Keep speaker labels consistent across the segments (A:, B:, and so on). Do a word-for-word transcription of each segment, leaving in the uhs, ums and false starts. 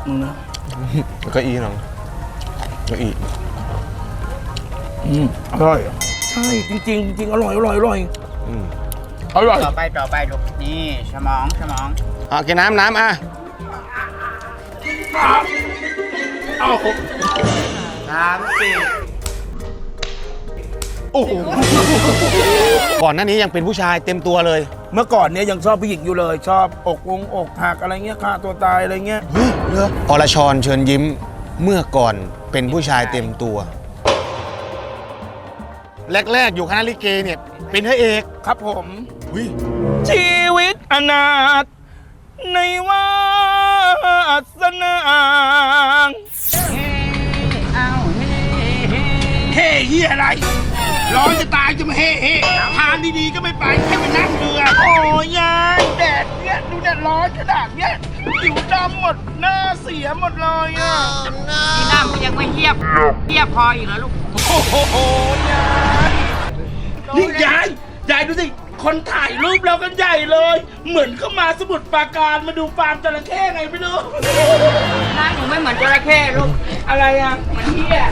A: มึงนะ
B: แล้วก็อีน้องก็อี
A: อืมอร่อยใช่จริงๆจริงๆอร่อยอร่อยอร่อย
B: อืม
A: อร่อย
C: ต่อไปต่อไปลูกนี่สมองสมอง
B: อ่ะกินน้ำน้ำอ่ะ
A: เอ้า
C: สามสี่
A: โอ้โห
B: ก่อนหน้านี้ยังเป็นผู้ชายเต็มตัวเลย
A: เมื่อก่อนเนี้ยยังชอบผู้หญิงอยู่เลย ชอบอกวงอกหักอะไรเงี้ยฆ่าตัวตายอะไรเงี้ย
B: เฮ้ยเหรออรชรเชิญยิ้มเมื่อก่อนเป็นผู้ชายเต็มตัว แรกๆอยู่คณะลิเกเนี่ยเป็นพระเอก
A: ครับผม
B: อุ้ย
A: ชีวิตอนาถในวาสนา
C: เอ้าเฮ้เฮ้
A: เฮ้เฮียอะไร ร้อนจะตายจะมาเฮ้เฮ้ทานดีๆก็ไม่ไปแค่ไปนั่งเรือโอ้ยยายแดดเนี้ยดูแดดร้อนขนาดเนี้ยผิวดำหมดหน้าเสียหมดเลยอ่ะ
C: ที่น้ำก็ยังไม่เทียบเทียบพออีกแล้วลูก
A: โอ้โหยายนี่ยายยายดูสิคนถ่ายรูปเรากันใหญ่เลย เหมือนเข้ามาสมุทรปราการมาดูฟาร์มจระเข้ไงไม่รู้
C: หน้าหนูไม่เหมือนจระเข้ลูก
A: อะไรอ่ะ
C: เหมือนเหี้ย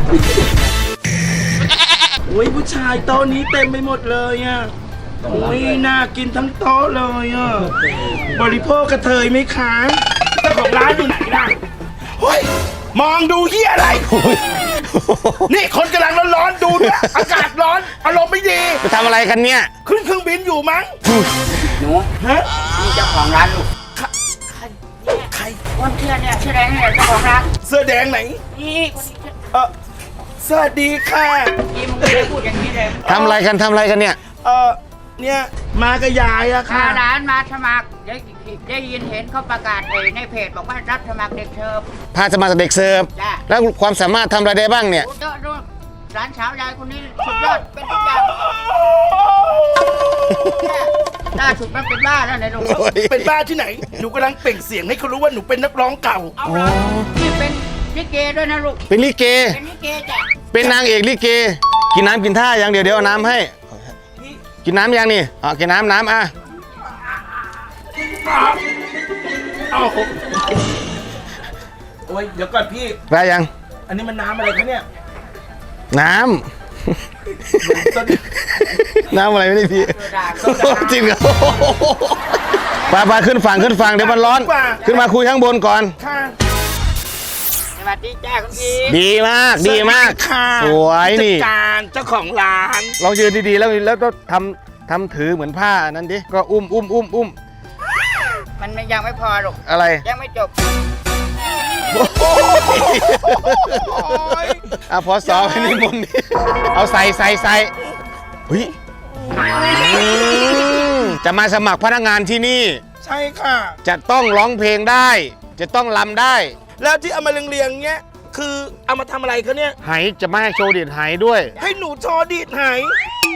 A: โอ้ยผู้ชายโต๊ะนี้เต็มไปหมดเลยอ่ะโอ้ยน่ากินทั้งโต๊ะเลยอ่ะบริโภคกระเทยไหมคะเจ้าของร้านอยู่ไหนล่ะเฮ้ยมองดูเฮียอะไรนี่คนกำลังร้อนๆดูเนี่ยอากาศร้อนอารมณ์ไม่ดี
B: จะทำอะไรกันเนี่ย
A: ขึ้นเครื่องบินอยู่มั้ง
C: หนู
A: ฮะ
C: นี่เจ้าของร้านลูก
A: ใคร
C: คนเชื่อเนี่ยเชื่อแดงเนี่ยเจ้าของร้าน
A: เสื้อแดงไหน
C: นี่คนนี้
A: เออสวัสดีค่ะ
C: ยี่มึงไม่ได้พูดอย่างนี้เลย
B: ทำอะไรกันทำอะไรกันเนี่ย
A: เออเนี่ยมากับยายอะ
C: มา
A: ค่ะ
C: ร้านมาสมัครได้ได้ยินเห็นเขาประกาศในเพจบอกว่ารับสมัครเด็กเชิญ
B: พาสมัครเด็กเสิร์ฟ
C: จ้ะ
B: แล้วความสามารถทำอะไรได้บ้างเนี่ย
C: ดูดูดูร้านสาวยายคนนี้สุดยอดเป็นทุกอย่างล่าสุดมันเป็นบ้าแล้วไหนลูก
A: เป็นบ้าที่ไหน หนูกำลังเปล่งเสียงให้เขารู้ว่าหนูเป็นนักร้องเก่า
C: เอาละนี่เป็นลิเกด้วยนะลูก
B: เป็นลิเก
C: เป็นลิเกจ้ะ
B: เป็นนางเอกลิเก กินน้ำกินท่าอย่างเดียวเดี๋ยวเอาน้ำให้ กินน้ำยังนี่อ่ะกินน้ำน้ำอ่ะ
A: เอ้าโอ้ยเดี๋ยวก่อนพี่
B: ได้ยัง
A: อันนี้มันน้ำอะไรคะเนี่ย
B: น้ำ น้ำอะไรไม่ได้พี่จริงเหรอไปไปขึ้นฝั่งขึ้นฝั่งเดี๋ยวมันร้อน ขึ้นมาคุยข้างบนก่อน
A: ค่ะ
C: สวัสดีจ้าคุณพี่
B: ดีมากดีมาก
A: ค่ะ
B: สวยนี่
A: ผู้จัดการเจ้าของร้าน
B: ลองยืนดีๆแล้วแล้วก็ทำทำถือเหมือนผ้านั้นดิก็อุ้มอุ้มอุ้มอุ้ม
C: มันยังไม่พอลูก
B: อะไร
C: ยังไม่จบ
B: อ่ะพอสอบให้นิมนต์ดิเอาใส่ใส่ใส่เฮ้ยอืมจะมาสมัครพนักงานที่นี่
A: ใช่ค่ะ
B: จะต้องร้องเพลงได้ จะต้องรำได้
A: แล้วที่เอามาเรียงๆเงี้ยคือเอามาทำอะไรคะเนี่ย
B: ไหจะไม่ให้โชว์เดียดไหด้วย
A: ให้หนูโชว์ดีดไหาย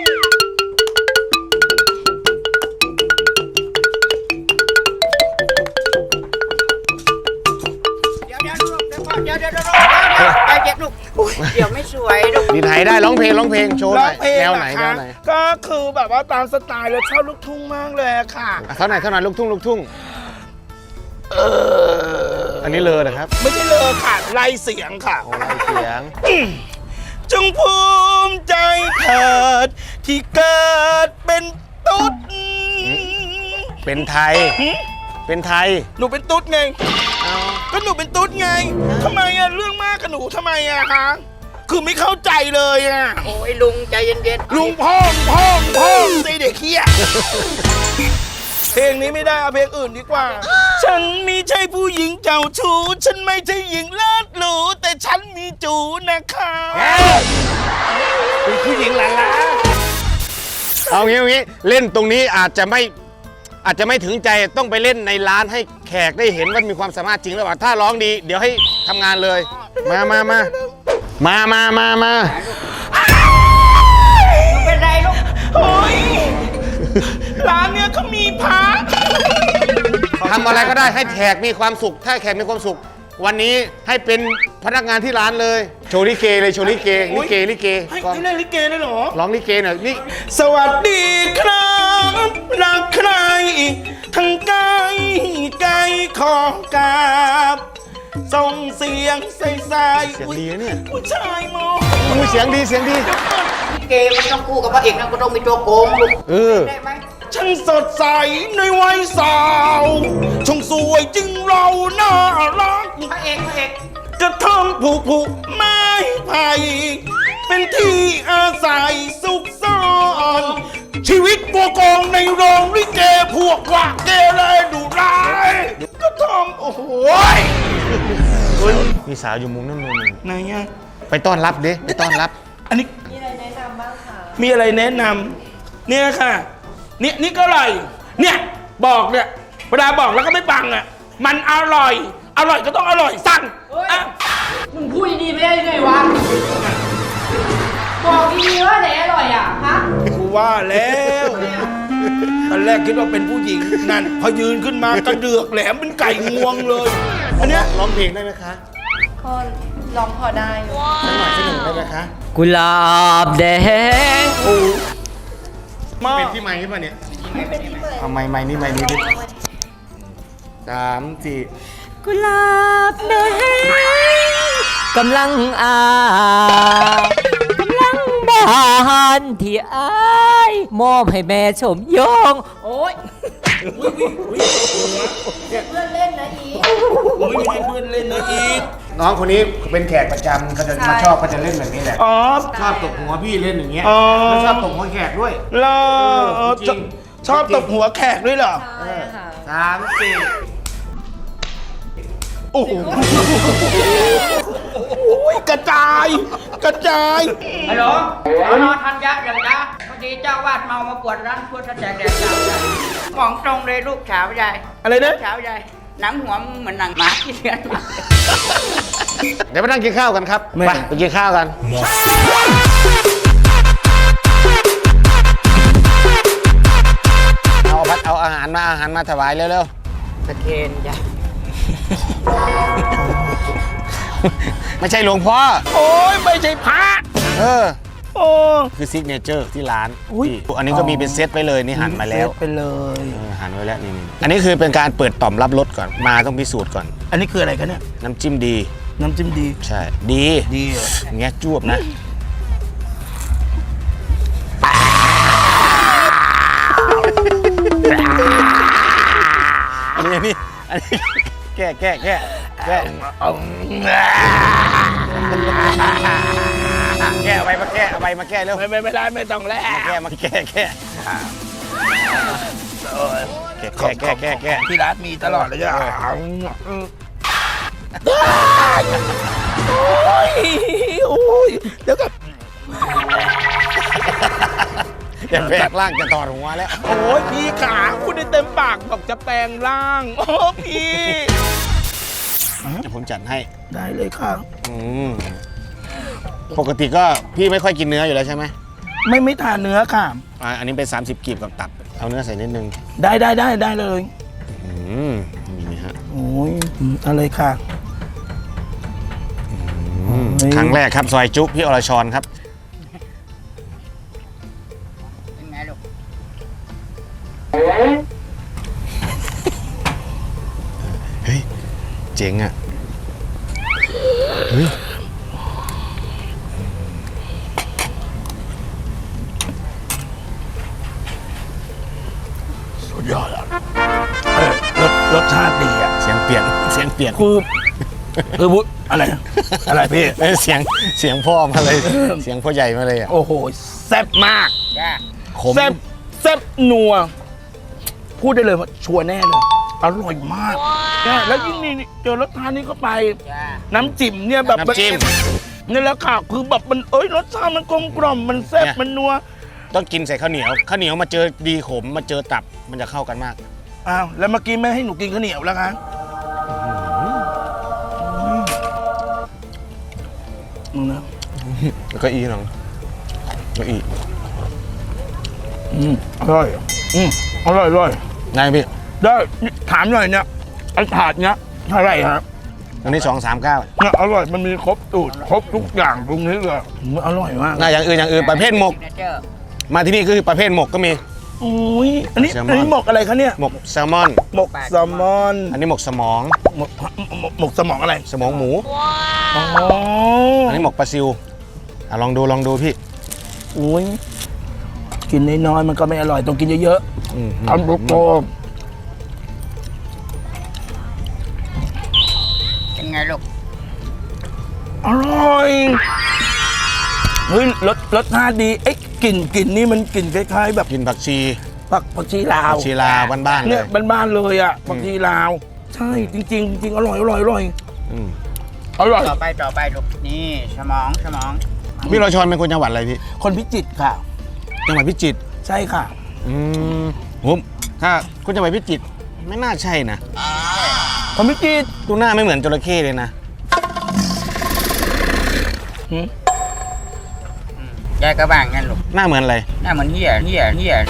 C: เดี๋ยวเดี๋ยวลูกเดี๋ยวก่อนเดี๋ยวเดี๋ยวเดี๋ยวใจเย็นลูกเดี๋ยวไม่สวยลูก
B: ดีดไหได้ร้องเพลงร้องเพลงโชว์ห
A: ร้
B: น่
A: อ
B: อง ย
A: เพลง
B: แนว
A: เหร
B: ไหน
A: อ
B: แน
A: คะ
B: วไหน
A: ก็คือแบบว่าตามสไตล์แล้วชอบลูกทุ่งมากเลยอะค่ะ
B: อ่ะเท่าไหร่เท่าไหร่ลูกทุ่งลูกทุ่ง
A: เออ
B: อันนี้เลยนะครับ
A: ไม่ใช่เลยค่ะไล่เสียงค่ะ
B: โอ้ไรเสียง
A: จงภูมิใจเถิดที่เกิดเป็นตุ๊ด
B: เป็นไทย
A: หึ
B: เป็นไทย
A: หนูเป็นตุ๊ดไง ก็หนูเป็นตุ๊ดไงทำไมอะเรื่องมากกับหนูทำไมอะคะคือไม่เข้าใจเลยอะ
C: โอ้ยลุงใจเย็นๆ
A: ลุงพ่องพ่องพ่องสิเด็กเฮียเพลงนี้ไม่ได้เอาเพลงอื่นดีกว่า ฉันไม่ใช่ผู้หญิงเจ้าชู้ฉันไม่ใช่หญิงเลิศหรูแต่ฉันมีจูนะคะเป็นผู้หญิงหลานละ
B: เอางี้เอางี้เล่นตรงนี้อาจจะไม่อาจจะไม่ถึงใจต้องไปเล่นในร้านให้แขกได้เห็นว่ามีความสามารถจริงหรือเปล่าถ้าร้องดี เดี๋ยวให้ทำงานเลย มามามามามามามา
C: ไม่เป็นไรลูก
A: โอ้ยร้านเนี้ยเขามีพระ
B: ทำอะไรก็ได้ให้แขกมีความสุข ถ้าแขกมีความสุข วันนี้ให้เป็นพนักงานที่ร้านเลยโชว์ลิเกเลยโชว์ลิเกลิเกลิเก
A: ให้
B: ก่อน
A: ให้เล่นลิเกได้เหรอ
B: ร้องลิเกหน่อยนี่
A: สวัสดีครับรักใครทั้งกายไกลขอกราบส่งเสียงใสๆ
B: เสียงดีนะเนี่ย
A: ผู้ชายมอง
B: อุ้ยเสียงดีเสียงดี
C: เกมมันต้องคู่กับพระเอกนะก็ต้องมีตัวโกงลูก
B: เออ
C: ได้ไหม
A: ช่างสดใสในวัยสาวช่างสวยจึงเราน่ารัก
C: พระเอกพระเอก
A: กระท่อมผูกผูกไม้ไผ่เป็นที่อาศัยสุขซ่อนชีวิตบัวกองในโรงลิเกพวกว่าเกเรดุร้ายกระท่อมโอ้โหย
B: มีสาวอยู่มุมนั่นมุมหนึง
A: ไหนอะ
B: ไปต้อนรับดิไปต้อนรับ
A: อันนี้ มีอะไรแนะนำบ้างคะมีอะไรแนะนำเนี่ยค่ะเนี่ยนี่ก็อร่อยเนี่ยบอกเนี่ยเวลาบอกแล้วก็ไม่ฟังอ่ะมันอร่อย อร่อยก็ต้องอร่อยสั่งอ่ะ
D: มึงพูดดีๆไม่ได้ไงวะ บอกดีๆว่าไหนอร่อยอ่ะ ฮะ
A: กูว่าแล้วตอนแรกคิดว่าเป็นผู้หญิงนั่นพอยืนขึ้นมากระเดือกแหลมเป็นไก่งวงเลยอันเนี้ย
B: ร้องเพลงได้ไหมคะ
D: ก็ลองพอได้อยู่
B: สักหน่อยสักหนึ่งได้ไหมคะ
E: กุหลาบแดง
A: มา
B: เป็นที่ไม้ป่ะเนี่ยเอาไม้ไม้นี่ไม้นี้ดิสามสี่
E: กุหลาบแดงกำลังอากำลังบานที่อายมอบให้แม่ชมยง โอ้ย
D: เพื่อนเล่นนะอี
A: โอ้ยไม่ให้เพื่อนเล่นนะอีก
B: น้องคนนี้เป็นแขกประจำเขาจะมาชอบเขาจะเล่นแบบนี้แหละ
A: อ๋อ
B: ชอบตบหัวพี่เล่นอย่างเงี้ย
A: อ๋อ
B: แล้วชอบตบหัวแขกด้วย
A: เหรอ
B: จริง
A: ชอบตบหัวแขกด้วยเหรอ
D: ใช่ค่ะ
B: สามสี่
A: โอ้โหกระจาย กระจาย
C: ฮัลโหลสอนอทันยะอย่างยะพอดีเจ้าวาดเมามาปวดร้านทั่วแสดงแดกสาวใหญ่มองตรงเลยลูกสาวใหญ่
A: อะไรนะ
C: สาวใหญ่หนังหัวมึงเหมือนหนังหมาที่เลี้ยงมา
B: เดี๋ยวไปนั่งกินข้าวกันครับไปไปกินข้าวกัน เอาพัดเอาอาหารมาอาหารมาถวายเร็ว
C: ตะเคนจ้ะ
B: ๆ ไม่ใช่หลวงพ่อ
A: โอ้ยไม่ใช่พระ
B: เออ
A: โอ้
B: คือซิกเนเจอร์ที่ร้าน
A: อุ๊ย
B: ที่อันนี้ก็มีเป็นเซตไปเลยนี่หั่นมาแล้ว
A: ไปเลย
B: เออหั่นไว้แล้วนี่ๆอันนี้คือเป็นการเปิดต่อมรับรสก่อน มาต้องพิสูจน์ก่อน
A: อันนี้คืออะไรกันเนี่ย
B: น้ำจิ้มดี
A: น้ำจิ้มดี
B: ใช่ ดี
A: ดีเหรอ
B: อย่างเงี้ยจวบนะ อันนี้อันนี้อันนี้แก้แก้แก้แก้แก้เอาไปมาแก้เอาไปมาแก้เร็ว
A: ไม่ไม่ไม่ได้ไม่ต้องแล้ว
B: มาแก้มาแก้แก้แก้แก้แก้แก้แก้
A: ที่ร้านมีตลอดเลยอ่ะโอ้ยโอ้ยเดี๋ยวกับ
B: อย่าแปลงร่างจะถอดหัวแล้ว
A: โอ้ยพี่ขาพูดได้เต็มปากบอกจะแปลงร่างโอ้พี่
B: เดี๋ยวผมจัดให้
A: ได้เลยค่ะ
B: อืมปกติก็พี่ไม่ค่อยกินเนื้ออยู่แล้วใช่ไหม
A: ไม่ไม่ทานเนื้อค่ะ
B: อ่าอันนี้เป็นสามสิบกีบกับตับ เอาเนื้อใส่นิดนึง
A: ได้ได้ได้ได้เลย
B: อืมนี่นะฮะ
A: โอ้ยเอาเลยค่ะ
B: อืมครั้งแรกครับซอยจุพี่อรชรครับ
C: เป็นไงลูก
B: เฮ้ย เจ๋งอ่ะ เฮ้ย
A: สุดยอดอ่ะเออรสรสชาติดีอ่ะ
B: เสียงเปลี่ยน เสียงเปลี่ยน
A: คือคือบุอะไรอะไรพี่
B: เอ้ยเสียง เสียงพ่อมาเลย เสียงพ่อใหญ่มาเลยอ่ะ
A: โอ้โหแซ่บมาก
C: จ้า
B: ขม
A: แซ่บแซ่บนัว พูดได้เลยว่าชัวร์แน่เลย อร่อยมากเนี่ยแล้วยิ่งนี่เจอรสชาตินี้เข้าไป
C: จ้า
A: น้ำจิ้มเนี่ยแบบ
B: น้ำจิ้ม
A: นี่แหละค่ะคือแบบมันเอ้ยรสชาติมันกลมกล่อมมันแซ่บ
B: เนี่ย
A: มันนัว
B: ต้องกินใส่ข้าวเหนียว ข้าวเหนียวมาเจอดีขม มาเจอตับ มันจะเข้ากันมาก
A: อ้าวแล้วเมื่อกี้ไม่ให้หนูกินข้าวเหนียวแล้วคะอืมนะ
B: แล้วก็อีน้องก็อี
A: อืมอร่อยอืมอร่อยอร่อย
B: ไงพี่
A: ได้นี่ถามหน่อยเนี่ยไอ้ถาดเนี้ยเท่าไหร่ครับ
B: อันนี้สองสามเก้า
A: เนี่ยอร่อยมันมีครบสูตรครบทุกอย่างตรงนี้เลยอืมอร่อยมาก
B: น่าอย่างอื่นอย่างอื่นประเภทหมก
C: ซิกเนเจอร์
B: มาที่นี่ก็คือประเภทหมกก็มี
A: โอ้ยอันนี้
B: แซลมอน
A: อันนี้หมกอะไรคะเนี่ย
B: หมกแซลมอน
A: หมกแซลมอน
B: อันนี้หมกสมอง
A: หมกหมกหมกสมองอะไร
B: สมองหมู
A: อ๋อ
B: อันนี้หมกปลาซิวอ่ะลองดูลองดูพี่
A: โอ้ยกินน้อยๆมันก็ไม่อร่อยต้องกินเยอะ
B: อืม
A: ๆทำโต
C: เป็นไงลูก
A: ๆอร่อยเฮ้ยรสรสชาติดีเอ๊ะกลิ่นกลิ่นนี่มันกลิ่นคล้ายๆแบบ
B: กินผักชี
A: ผักผักชีลาว
B: ผักชีลาวบ้านๆเล
A: เนี่ย
B: ย
A: บ้านๆเลยอ่ะผักชีลาว ใช่จริงๆจริงๆอร่อยอร่อยอร่อย
B: อืม
A: อร่อย
C: ต่อไปต่อไปลูก นี่สมองสมอง
B: พี่รชรเป็นคนจังหวัดอะไรพี่
A: คนพิจิตรค่ะ
B: จังหวัดพิจิตร
A: ใช่ค่ะ
B: อืมผมถ้าคนจังหวัดพิจิตรไม่น่าใช่นะ
A: คนพิจิตร
B: ดูหน้าไม่เหมือนจระเข้เลยนะ
A: หืม
C: ยายก็บ้างงั้นลูก
B: หน้าเหมือนอะไร
C: หน้าเหมือนเหี้ยเหี้ยเหี้ย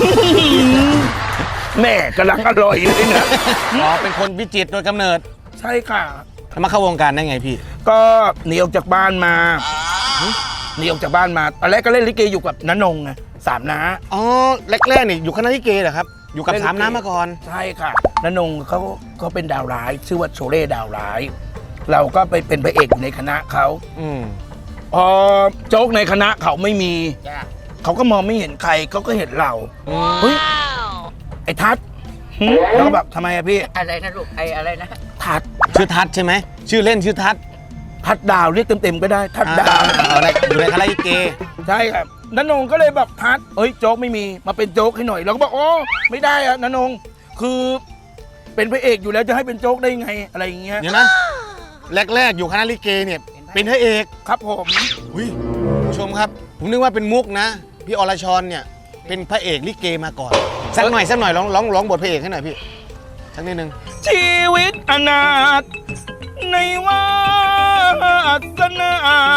A: แม่กำลังอร่อยเลยนะ
B: อ๋อเป็นคนพิจิตรโดยกำเนิด
A: ใช่ค่ะ
B: แล้วมาเข้าวงการได้ไงพี่
A: ก็หนีออกจากบ้านมาหนีออกจากบ้านมาตอนแรกก็เล่นลิเกอยู่กับน้านงไงสามน้า
B: อ๋อแรกๆนี่อยู่คณะลิเกเหรอครับ อยู่กับ
A: เล่นลิเก
B: สามน้ำมาก่อน
A: ใช่ค่ะน้านงเขาก็เป็นดาวร้าย ชื่อว่าโชเล่ดาวร้าย เราก็ไปเป็นพระเอกอยู่ในคณะเขา
B: อืม
A: พอโจ๊กในคณะเขาไม่มี
C: จ้า
A: เขาก็มองไม่เห็นใครเขาก็เห็นเรา
B: อืม
A: เฮ้ยไอ้ทัศน์หึแล้วก็แบบทำไมอะพี่
C: อะไรนะลูก ไออะไรนะ
A: ทัศน์
B: ชื่อทัศน์ใช่ไหมชื่อเล่นชื่อทัศน์
A: ทัศน์ดาวเรียกเต็มๆก็ได้ทัศน์ดาว
B: อ่เอาในอยู่ในคณะลิเก
A: ใช่ครับนันนงก็เลยแบบทัดเอ้ยโจ๊กไม่มีมาเป็นโจ๊กให้หน่อยเราก็บอกโอ้ไม่ได้อะนันนงคือเป็นพระเอกอยู่แล้วจะให้เป็นโจ๊กได้ไงอะไรอย่างเงี้ย
B: เดี๋ยวนะแรกๆอยู่คณะลิเกเนี่ยเป็นพระเอก
A: ครับผม
B: อุ้ยผู้ชมครับ ผมนึกว่าเป็นมุกนะ พี่อรชรเนี่ยเป็นพระเอกลิเกมาก่อนสักหน่อยสักหน่อยร้องร้องร้องบทพระเอกให้หน่อยพี่สักนิดนึง
A: ชีวิตอนาถในวาสนา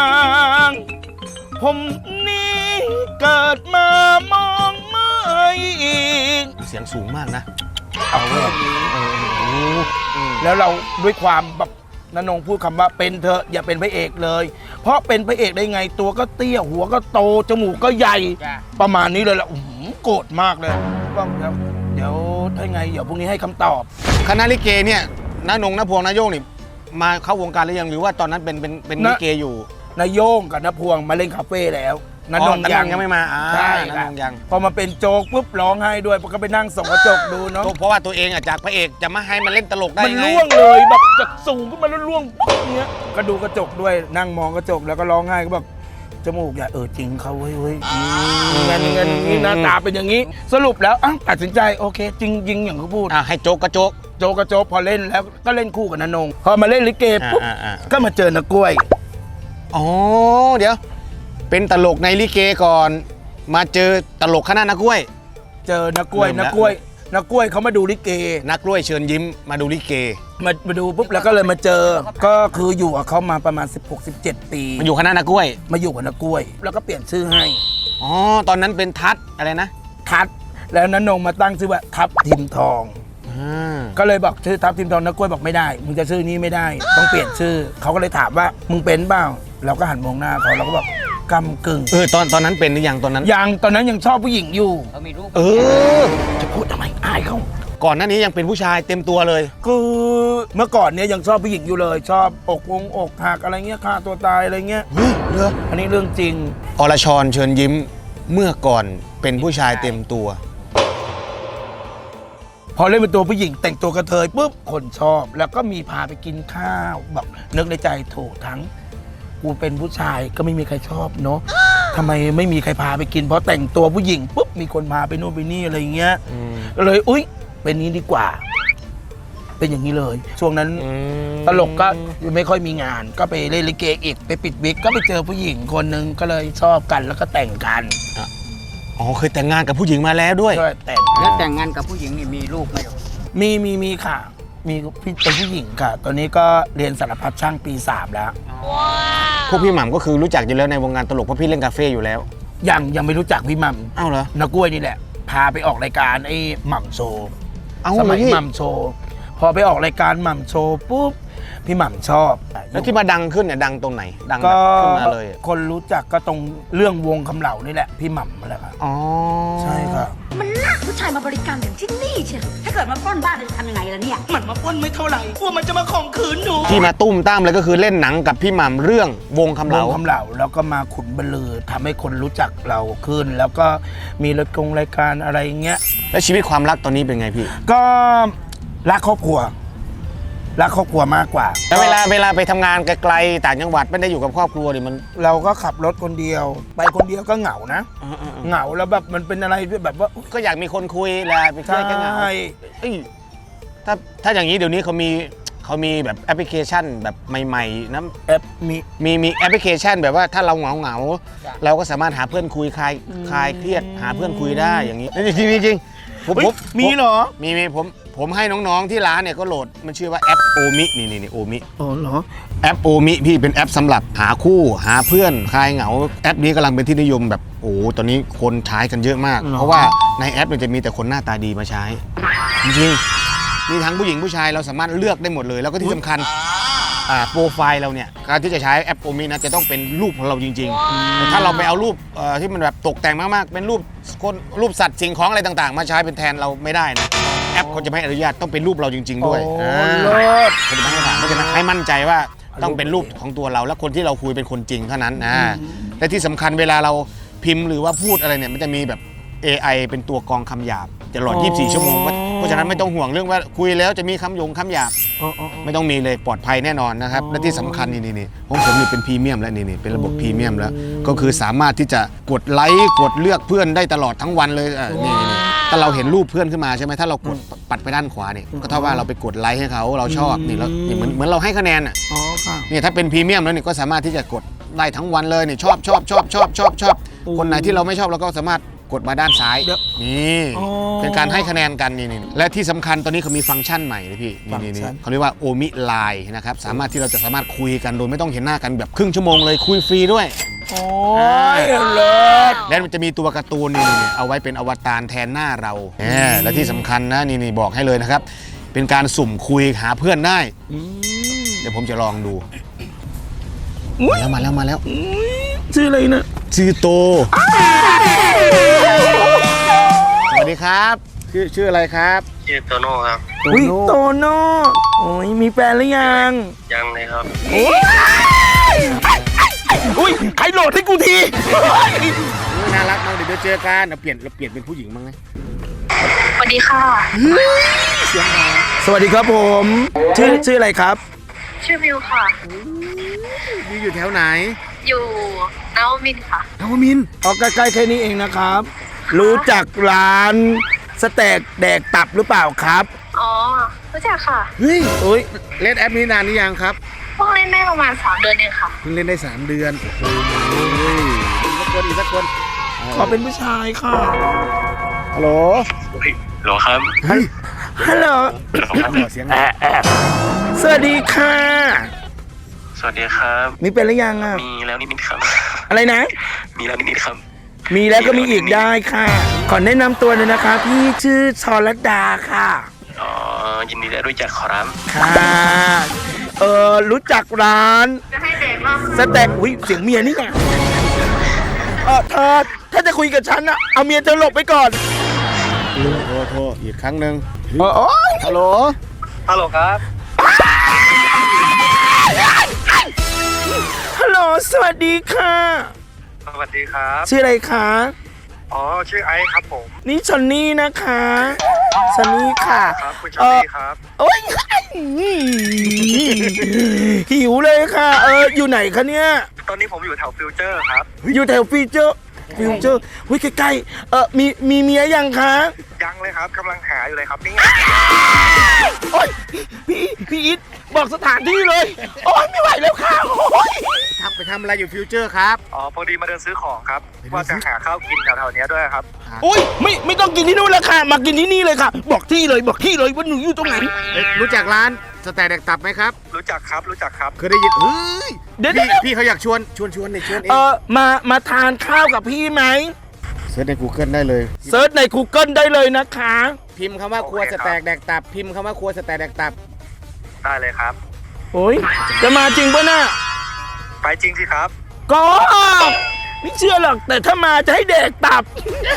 A: ผมนี่เกิดมามองไม่อีก
B: เสียงสูงมากนะ
A: เอาแค่นี้
B: เออโอ้โหอืม
A: แล้วเราด้วยความแบบนนงพูดคำว่าเป็นเธอะอย่าเป็นพระเอกเลย เพราะเป็นพระเอกได้ไงตัวก็เตี้ยหัวก็โตจมูกก็ใหญ่
C: จ้า
A: ประมาณนี้เลยแหละอื้อหือโกรธมากเลยว่าเดี๋ยวเดี๋ยวถ้าไงเดี๋ยวพรุ่งนี้ให้คำตอบ
B: คณะลิเกเนี่ยน้านงน้าพวงน้าโยงนี่มาเข้าวงการหรือยังหรือว่าตอนนั้นเป็นเป็นเป็น
A: นะ
B: ลิเกอยู่
A: นายโยงกับนพวงมาเล่นคาเฟ่แล้วน
B: อ๋
A: น
B: อง น้านงยังไม่มาอ่า
A: ใช่
B: น้า
A: ค่ะ
B: นงยัง
A: พอมาเป็นโจ๊กปุ๊บร้องไห้ด้วยก็ไปนั่งส่องกระจกดูเนาะ
B: เพราะว่าตัวเองอ่ะจากพระเอกจะมาให้มันเล่นตลกได้
A: มัน
B: ไง
A: ร่วงเลยแบบจากสูงขึ้นมาแล้วร่วงปุ๊บเงี้ยก็ดูกระจกด้วยนั่งมองกระจกแล้วก็ร้องไห้ก็แบบจมูกอย่าเออจริงเขาเว้ยเว้ยเงินเงินนี่หน้าตาเป็นอย่างนี้ สรุปแล้วอ่ะตัดสินใจโอเค จริงยิงอย่างเขาพูด
B: อ่ะให้โจ๊กกระโจ๊ก
A: โจกระโจกพอเล่นแล้วก็เล่นคู่กับนนงพอมาเล่นลิเกปุ๊บ
B: อ่าอ่า
A: ก็มาเจอนักกล้วย
B: อ๋อเดี๋ยว เป็นตลกในลิเกก่อน มาเจอตลกคณะนักกล้วย
A: เจอนักกล้วย
B: เริ่มแล้ว
A: นักกล้วยนักกล้วยเขามาดูลิเก
B: นักกล้วยเชิญยิ้มมาดูลิเก
A: มามาดูปุ๊บแล้วก็เลยมาเจอ ก็คืออยู่กับเขามาประมาณ สิบหก สิบเจ็ด ปี
B: มาอยู่คณะนักกล้วย
A: มาอยู่กับนักกล้วย แล้วก็เปลี่ยนชื่อให้
B: อ๋อตอนนั้นเป็นทัศน์อะไรนะ
A: ทัดแล้วนันนงมาตั้งชื่อว่าทับทิมทอง
B: อ่า
A: ก็เลยบอกชื่อทับทิมทองนักกล้วยบอกไม่ได้มึงจะชื่อนี้ไม่ได้ ต้องเปลี่ยนชื่อเขาก็เลยถามว่ามึงเป็นเปล่าเราก็หันมองหน้าเขาเราก็บอกกำกึ่ง
B: เออตอนตอนนั้นเป็นหรือยังตอนนั้น
A: ยังตอนนั้นยังชอบผู้หญิงอยู่
C: เขามีรูป
B: เออ
A: จะพูดทำไมอายเขา
B: ก่อนหน้านี้ยังเป็นผู้ชายเต็มตัวเลย
A: คือเมื่อก่อนเนี้ยยังชอบผู้หญิงอยู่เลย ชอบอกวงอกหักอะไรเงี้ยฆ่าตัวตายอะไรเงี้ย
B: เฮ้ยเหรอ
A: อันนี้เรื่องจริง
B: อรชรเชิญยิ้มเมื่อก่อนเป็นผู้ชายเต็มตัว
A: พอเล่นเป็นตัวผู้หญิงแต่งตัวกระเทยปุ๊บคนชอบ แล้วก็มีพาไปกินข้าวแบบนึกในใจโถทั้งกูเป็นผู้ชายก็ไม่มีใครชอบเนาะทำไมไม่มีใครพาไปกิน เพราะแต่งตัวผู้หญิงปุ๊บมีคนพาไปโน่นไปนี่อะไรเงี้ย
B: อืม
A: ก็เลยอุ๊ยเป็นนี้ดีกว่า เป็นอย่างนี้เลย ช่วงนั้น
B: อืม
A: ตลกก็ไม่ค่อยมีงาน ก็ไปเล่นลิเกอีกไปปิดวิกก็ไปเจอผู้หญิงคนหนึ่งก็เลยชอบกันแล้วก็แต่งกัน
B: อ๋อเคยแต่งงานกับผู้หญิงมาแล้วด้วย
A: ก็แต่ง
C: แล้วแต่งงานกับผู้หญิงนี่มีลูกไหมลูก
A: มีมีมีค่ะ มีพี่เป็นผู้หญิงค่ะ ตอนนี้ก็เรียนสารพัดช่างปีสามแล้ว
B: พวกพี่หม่ำก็คือรู้จักอยู่แล้วในวงการตลกเพราะพี่เล่นคาเฟ่อยู่แล้ว
A: ยังยังไม่รู้จักพี่หมัม
B: อ้าวเหรอ
A: นักกล้วยนี่แหละ พาไปออกรายการไอ้หม่ำโชว์
B: เอ้า
A: สมัย
B: เหรอพี่
A: หม่ำโชว์พอไปออกรายการหม่ำโชว์ปุ๊บพี่หม่ำชอบ
B: แล้วที่มาดังขึ้นเนี่ยดังตรงไหนดังแบ
A: ก็
B: บขึ้นมาเลยอะ
A: คนรู้จักก็ตรงเรื่องวงคำเหล่านี่แหละพี่หม่ำนั่นแหละครับ
B: อ๋อ
A: ใช่ครับ
F: มันลากผู้ชายมาบริการถึงที่นี่เชียวถ้าเกิดมาปล้นบ้านจะทำยังไงล่ะเนี่ย
A: มันมาปล้นไม่เท่าไหร่กลัวมันจะมาข่มขืนหนู
B: ที่มาตุ้มตามเลยก็คือเล่นหนังกับพี่หม่ำเรื่องวงคำ
A: ว
B: เหลาง
A: คำเหล่าแล้วก็มาขุนบรรลือทำให้คนรู้จักเราขึ้น แล้วก็มีรายกงรายการอะไรเงี้ย
B: แล้วชีวิตความรักตอนนี้เป็นไงพี่
A: ก็รักครอบครัวรักครอบครัวมากกว่า
B: แล้วเวลาเวลาไปทำงานไกลๆต่างจังหวัดไม่ได้อยู่กับครอบครัวดิมัน
A: เราก็ขับรถคนเดียว ไปคนเดียวก็เหงานะ เหงาแล้วแบบมันเป็นอะไรที่แบบว่า
B: ก็อยากมีคนคุยแหละไปเที่ยวกันเหงา
A: ใช่
B: เอ้ยถ้าถ้าอย่างนี้เดี๋ยวนี้เขามีเขามีแบบแอปพลิเคชันแบบใหม่ๆนะ
A: แอปมี
B: มีมีแอปพลิเคชันแบบว่าถ้าเราเหงาเหงาๆเราก็สามารถหาเพื่อนคุยคลายคลายเครียดหาเพื่อนคุยได้อย่างนี้จริงๆจริงๆผม
A: เฮ้ย
B: ผม
A: มีเหรอ
B: มีมีผมผมให้น้องๆที่ร้านเนี่ยก็โหลดมันชื่อว่าแอปโอมินี่นี่นี่โอมิ
A: อ๋อเหรอ
B: แอปโอมิพี่เป็นแอปสำหรับหาคู่หาเพื่อนคลายเหงาแอปนี้กำลังเป็นที่นิยมแบบโอ้ตอนนี้คนใช้กันเยอะมาก
A: หรอ
B: เพราะว่าในแอปมันจะมีแต่คนหน้าตาดีมาใช้ จริงๆมีทั้งผู้หญิงผู้ชายเราสามารถเลือกได้หมดเลย แล้วก็ที่สำคัญอ่าโปรไฟล์เราเนี่ยการที่จะใช้แอปโอมินะจะต้องเป็นรูปของเราจริงๆแต่ถ้าเราไปเอารูปเอ่อที่มันแบบตกแต่งมากๆเป็นรูปคนรูปสัตว์สิ่งของอะไรต่างๆ มาใช้เป็นแทนเราไม่ได้นะแอปเขาจะไม่อนุญาตต้องเป็นรูปเราจริง ๆ ด้วย
A: โอ้
B: อ่า
A: เลิศ
B: เขาจะไม่ให้ผ่านเพราะฉะนั้นให้มั่นใจว่าต้องเป็นรูปของตัวเราและคนที่เราคุยเป็นคนจริงเท่านั้นนะและที่สำคัญเวลาเราพิมพ์หรือว่าพูดอะไรเนี่ยมันจะมีแบบ เอ ไอ เป็นตัวกรองคำหยาบตลอด
A: อ๋อ
B: ยี่สิบสี่ ชั่วโมงเพราะฉะนั้นไม่ต้องห่วงเรื่องว่าคุยแล้วจะมีคำหยงคำหยาบ
A: อ๋ออ๋ออ๋อ
B: ไม่ต้องมีเลยปลอดภัยแน่นอนนะครับ
A: อ๋อ
B: และที่สำคัญนี่นี่นี่ของผมนี่เป็นพรีเมียมแล้วนี่นี่เป็นระบบพรีเมียมแล้ว ก็คือสามารถที่จะกดไลค์กดเลือกเพื่อนได้ตลอดทั้งวันเลยอ่ะนี่นี่นี่ถ้าเราเห็นรูปเพื่อนขึ้นมาใช่ไหมถ้าเรากดปัดไปด้านขวาเนี่ยก็เท่าว่าเราไปกดไลค์ให้เขาเราชอบนี่แล้วนี่เหมือนเหมือนเราให้คะแนนอ่ะ
A: อ๋อค่ะ
B: เนี่ยถ้าเป็นพรีเมียมแล้วเนี่ยก็สามารถที่จะกดได้ทั้งวันเลยนี่ชอบชอบชอบชอบชอบชอบคนไหนที่เราไม่ชอบเราก็สามารถกดมาด้านซ้าย
A: เดี๋ยว
B: นี่
A: อ๋อ
B: เป็นการให้คะแนนกันนี่นี่และที่สำคัญตอนนี้เขามีฟังก์ชันใหม่เลยพี่นี่นี่นี่
A: ฟังก์ชัน
B: เขาเรียกว่าโอมิไลน์นะครับสามารถที่เราจะสามารถคุยกันโดยไม่ต้องเห็นหน้ากันแบบครึ่งชั่วโมงเลยคุยฟรีด้วย
A: โอ้ยเลิศ
B: และมันจะมีตัวการ์ตูนนี่นี่เอาไว้เป็นอวตารแทนหน้าเราแหมและที่สำคัญนะนี่นี่บอกให้เลยนะครับ เป็นการสุ่มคุยหาเพื่อนได้ เดี๋ยวผมจะลองดู
A: อุ๊ย
B: มาแล้วมาแล้ว
A: ชื่ออะไรนะ
B: ชื่อโต สวัสดีครับ ชื่อชื่ออะไรครับ
G: ชื่อโตโน่ครับ
A: อุ้ยโตโน่โอ้ยมีแฟนหรือยัง
G: ยังเลยครับ
A: อุ้ยใครโหลดให้กูที
B: น่ารักมากเดี๋ยวเจอกันเราเปลี่ยนเราเปลี่ยนเป็นผู้หญิงมั้งไหม
H: สวัสดีค่ะ
A: สวัสดีครับผม ชื่อชื่ออะไรครับ
H: ชื่อมิวค่ะ
B: อยู่อยู่แถวไหน
H: อยู่นวมินทร์ค่ะ
B: นวมินทร์
A: ออกใกล้ๆแค่นี้เองนะครับ รู้จักร้านสเต็กแดกตับหรือเปล่าครับ
H: อ๋อ รู้จักค่ะ
B: เฮ้ย
A: เอ้ย
B: เล่นแอปนี้นานหรือยังครับ
H: เพิ่งเล่นได้ประมาณสามเดือนเองค่ะ
B: เพิ่งเล่นได้สามเดือนโอ้โหอีกสักคนอีกสักคน
A: ขอเป็นผู้ชายค่ะ
B: ฮัลโหล
G: โหลครับ
B: เฮ้ย
A: ฮัลโหล
B: ขอเสียงหน่อย
A: สวัสดีค่ะ
G: สวัสดีครับ
A: มีเป็นหรือยังอ่ะ
G: มีแล้วนิดๆครับ
A: อะไรนะ
G: มีแล้วนิดๆครับ
A: มีแล้วก็มีอีกได้ค่ะ ขอแนะนำตัวเลยนะคะ พี่ชื่อชรดาค่ะ
G: อ๋อ ยินดีได้รู้จักขอรับ
A: ค่ะ เออรู้จักร้าน
H: จะให้เด็กรอบ
A: สเต็กอุ้ยเสียงเมียนี่ไงเออเธอถ้าจะคุยกับฉันอะเอาเมียเธอหลบไปก่อน
B: โทรโทรอีกครั้งหนึ่ง
A: เออโอ๊ย
B: ฮัลโหล
G: ฮัลโหลครับ
A: ฮัลโหลสวัสดีค่ะ
G: สวัสดีครับ
A: ชื่ออะไรคะ
G: อ๋อ ชื่อไอซ์ครับผม
A: นี่ชอนนี่นะคะชอนนี่ค่ะ
G: ครับ คุณชาลีครับ
A: โอ๊ยหิวเลยค่ะ เอออยู่ไหนคะเนี่ย
G: ตอนนี้ผมอยู่แถวฟิวเจอร์ครับ
A: อยู่แถวฟิวเจอร์ฟิวเจอร์เฮ้ยใกล้ๆเออมีมีเมียยังคะ
G: ยังเลยครับกำลังหาอยู่เลยครับนี่
A: โอ๊ยพี่พี่อิทบอกสถานที่เลย โอ๊ยไม่ไหวแล้วค่ะโอ๊ย
B: ทักไปทำอะไรอยู่ฟิวเจอร์ครับ
G: อ๋อ พอดีมาเดินซื้อของครับ
B: ไปเดิน
G: ว่า
B: ซื้
G: จะ
B: อ
G: หาข้าวกินแถวๆเนี้ยด้วยครับ
A: โอ๊ยไม่ไม่ต้องกินที่นู่นแล้วค่ะ มากินที่นี่เลยค่ะ บอกที่เลยบอกที่เลยว่าหนูอยู่ตรงไหน
B: เอ๊ะรู้จักร้านสแต็กแดกตับไหมครับ
G: รู้จักครับ รู้จักครับ
B: เคยได้ยินเฮ้ย
A: เดี๋ยว
B: พี่
A: เดี๋ยว
B: พี่เขาอยากชวนชวนชวนเนี่ยชวนเอ
A: เอง อมามาทานข้าวกับพี่ไหม
B: เสิร์ชใน Google ได้เลย
A: เซิร์ชใน Google ได้เลยนะคะ
B: พิมพ์คำว่าครัวสแต็กแดกตับ พิมพ์คำว่าครัวสแต็กแดกตับ
G: ได้เลยครับ
A: โอ้ยจะมาจริงปะน่ะ
G: ไปจริงสิครับ
A: ก็ไม่เชื่อหรอกแต่ถ้ามาจะให้เด็กตับ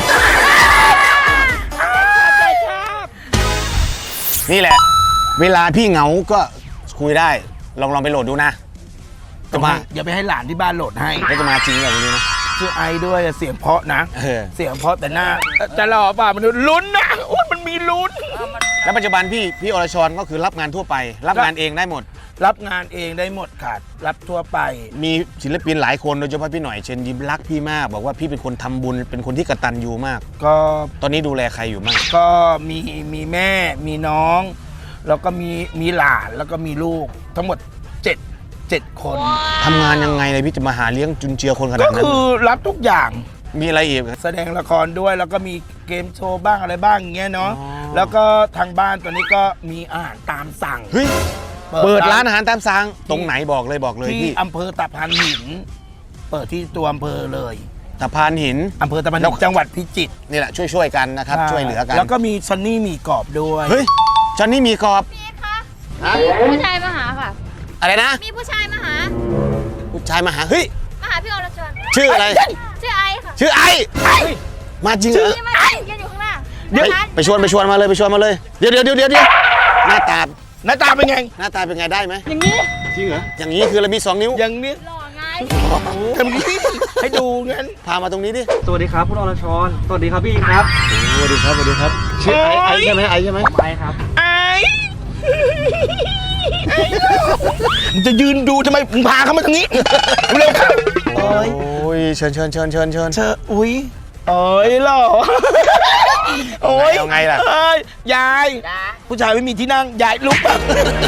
B: นี่แหละ เวลาพี่เหงาก็คุยได้ลองลองไปโหลดดูนะจะมา
A: อย่าไปให้หลานที่บ้านโหลดให้
B: แล้วจะมาจริงแบบนี้นะ
A: ชื่อไอด้วยเสียงเพราะนะ
B: เออ
A: เสียงเพราะแต่หน้าจะหล่อเปล่ามันลุ้นนะโอ้ยมันมีลุ้น
B: แล้วปัจจุบันพี่พี่อรชรก็คือรับงานทั่วไป รับงานเองได้หมด
A: รับงานเองได้หมดค่ะรับทั่วไป
B: มีศิลปินหลายคนโดยเฉพาะพี่หน่อยเชิญยิ้มรักพี่มาก บอกว่าพี่เป็นคนทำบุญเป็นคนที่กตัญญูมาก
A: ก็
B: ตอนนี้ดูแลใครอยู่บ้าง
A: ก็มีมีแม่มีน้อง แล้วก็มีมีหลานแล้วก็มีลูกทั้งหมดเจ็ดเจ็ดคน
B: ทำงานยังไงเลยพี่จะมาหาเลี้ยงจุนเจือคนขนา
A: ก็
B: ดนั้น
A: คือรับทุกอย่าง
B: มีอะไรอีก
A: แสดงละครด้วยแล้วก็มีเกมโชว์บ้างอะไรบ้างอย่างเงี้ยเนาะ
B: อ๋อ
A: แล้วก็ทางบ้านตอนนี้ก็มีอาหารตามสั่ง
B: เฮ้ยเปิดร้านอาหารตามสั่งตรงไหนบอกเลยบอกเลย
A: ที่
B: พี่
A: อำเภอตะพานหิน เปิดที่ตัวอำเภอเลย
B: ตะพานหิน
A: อำเภอตะพาน
B: แล้
A: หิ
B: ว
A: นจังหวัดพิจิตร
B: นี่แหละช่วยช่วยๆกันนะครับช่วยเหลือกัน
A: แล้วก็มีซันนี่หมีกรอบด้วย
B: เฮ้ยจอนนี่มีกรอบ
H: ผู้ชายมาหาค่ะ
B: อะไรนะ
H: มีผู้ชายมาหา
B: ผู้ชายมาหาเฮ้ย
H: มาหาพี่อรชร
B: ชื่ออะไร
H: ชื่อไอค่ะ
B: ชื่อไอมาจริงเหรอ
H: นี่มายืนอยู่ข้างหน้า
A: เดี๋ยว
B: ไปไปชวนไปชวนมาเลยไปชวนมาเลยเดี๋ยวเดี๋ยวเดี๋ยวเดี๋ยวหน้าตา
A: หน้าตาเป็นไง
B: หน้าตาเป็นไงได้ไหมอย่างนี้จริงเหรออย่างนี้คือเรามีสองนิ้ว
A: อย่างนี้
H: หล่อไง
A: ทำนี้ให้ดูงั้น
B: พามาตรงนี้ดิ
I: สวัสดีครับคุณอรชร สวัสดีครับพี่ครับ
B: สวัสดีครับสวัสดีครับชื่อไอไอใช่ไหมไอใช่ไหม
I: ไปครับ
A: ไอ้มึงจะยืนดูทำไมมึงพาเขามาตรงนี้ เร็วเข้าโอ้ย
B: โอ้ยเชิญเชิญเชิญเชิญเชิญ
A: เธออุ้ยโอ้ยหล่อโอ้ย
B: เอาไงล่ะ
A: เอ้ยยาย ผู้ชายไม่มีที่นั่งยายลุกแบบ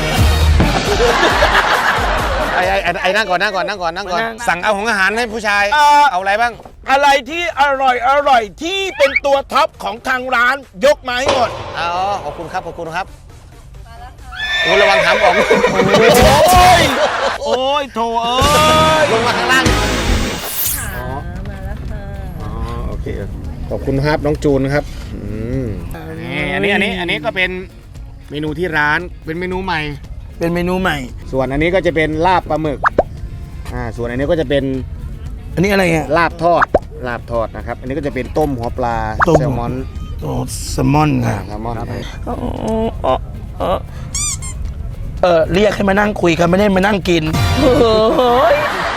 B: ไอไอไอ้ไอนั่งก่อนนั่งก่อนนั่งก่อนนั่งก่อน
A: มานั่ง
B: สั่งเอาของอาหารให้ผู้ชาย
A: เอ่อ
B: เอาอะไรบ้าง
A: อะไรที่อร่อยอร่อยที่เป็นตัวท็อปของทางร้านยกมาให้หมด
B: อ๋อขอบคุณครับขอบคุณครับโอ้ระวังถามออก
A: โอ้ยโอ้ยโถเอ้ย
B: ลงมาข้างล่างอ๋อมาแล้วค่ะอ๋อโอเคขอบคุณครับน้องจูนครับอืมนี่อันนี้อันนี้อันนี้ก็เป็นเมนูที่ร้านเป็นเมนูใหม่
A: เป็นเมนูใหม่
B: ส่วนอันนี้ก็จะเป็นลาบปลาหมึกอ่าส่วนอันนี้ก็จะเป็น
A: อันนี้อะไรอ่ะ
B: ลาบทอดลาบทอดนะครับ อันนี้ก็จะเป็นต้มหัวปลา
A: ต้ม
B: แซลมอน
A: โอ้แซลมอน
B: อ่า
A: ค่ะ
B: แซลมอน
A: เออเออเออเรียกให้มานั่งคุยกันไม่ได้มานั่งกินเฮ้ย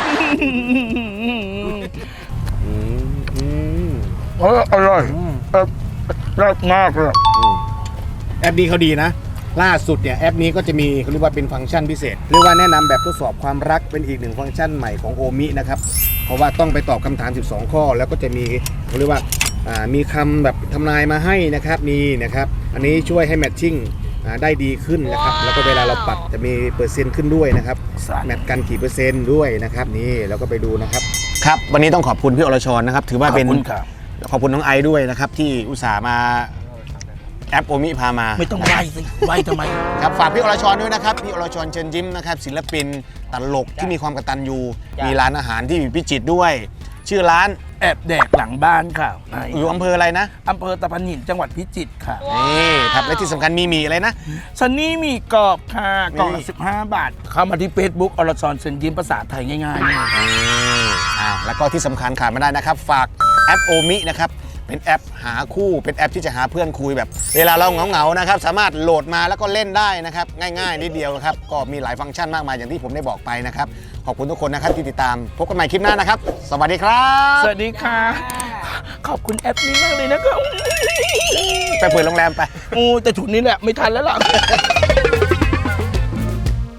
B: อืมอืม
A: เอออร่อยเออรักมากเลย
B: แอปนี้เขาดีนะ ล่าสุดเนี่ยแอปนี้ก็จะมีเขาเรียกว่าเป็นฟังก์ชันพิเศษเรียกว่าแนะนำแบบทดสอบความรักเป็นอีกหนึ่งฟังก์ชันใหม่ของโอมินะครับเพราะว่าต้องไปตอบคำถาม สิบสอง ข้อ แล้วก็จะมีเขาเรียกว่าอ่ามีคำแบบทำนายมาให้นะครับนี่นะครับอันนี้ช่วยให้แมทชิ่งอ่าได้ดีขึ้นนะครับแล้วก็เวลาเราปัดจะมีเปอร์เซ็นต์ขึ้นด้วยนะครับแมทกันกี่เปอร์เซ็นต์ด้วยนะครับนี่แล้วก็ไปดูนะครับครับวันนี้ต้องขอบคุณพี่อรชรนะครับถือว่าเป็น
A: ขอบคุณครับ
B: ขอบคุณน้องไอซ์ด้วยนะครับที่อุตส่าห์มาแอปโอมิพามา
A: ไม่ต้องไหวสิไหวทำไม
B: ครับฝากพี่อรชรด้วยนะครับพี่อรชรเชิญยิ้มนะครับศิลปินตลกที่มีความกตัญญูมีร้านอาหารที่อยู่พิจิตรด้วย ชื่อร้าน
A: แอบแดกหลังบ้านค่ะ
B: อยู่อำเภออะไรนะ
A: อำเภอตะพานหินจังหวัดพิจิตรค่ะ
B: นี่ครับและที่สำคัญมีหมีอะไรนะ
A: ซันนี่มีกรอบค่ะกล่อง
B: นี่
A: ละสิบห้าบาท เข้ามาที่ Facebook อรชรเชิญยิ้มภาษาไทยง่ายๆนี่
B: อ่าแล้วก็ที่สำคัญขาดไม่ได้นะครับ ฝากแอปโอมินะครับเป็นแอปหาคู่เป็นแอปที่จะหาเพื่อนคุยแบบ เวลาเราเหงาๆนะครับสามารถโหลดมาแล้วก็เล่นได้นะครับง่ายๆนิดเดียวนะครับก็มีหลายฟังก์ชันมากมายอย่างที่ผมได้บอกไปนะครับขอบคุณทุกคนนะครับที่ติดตามพบกันใหม่คลิปหน้านะครับสวัสดีครับ
A: สวัสดีค่ะ ขอบคุณแอปนี้มากเลยนะครับ
B: ไปเปิดโรงแรมไป
A: โอ้แต่ถุนนี้แหละไม่ทันแล้วล่ะ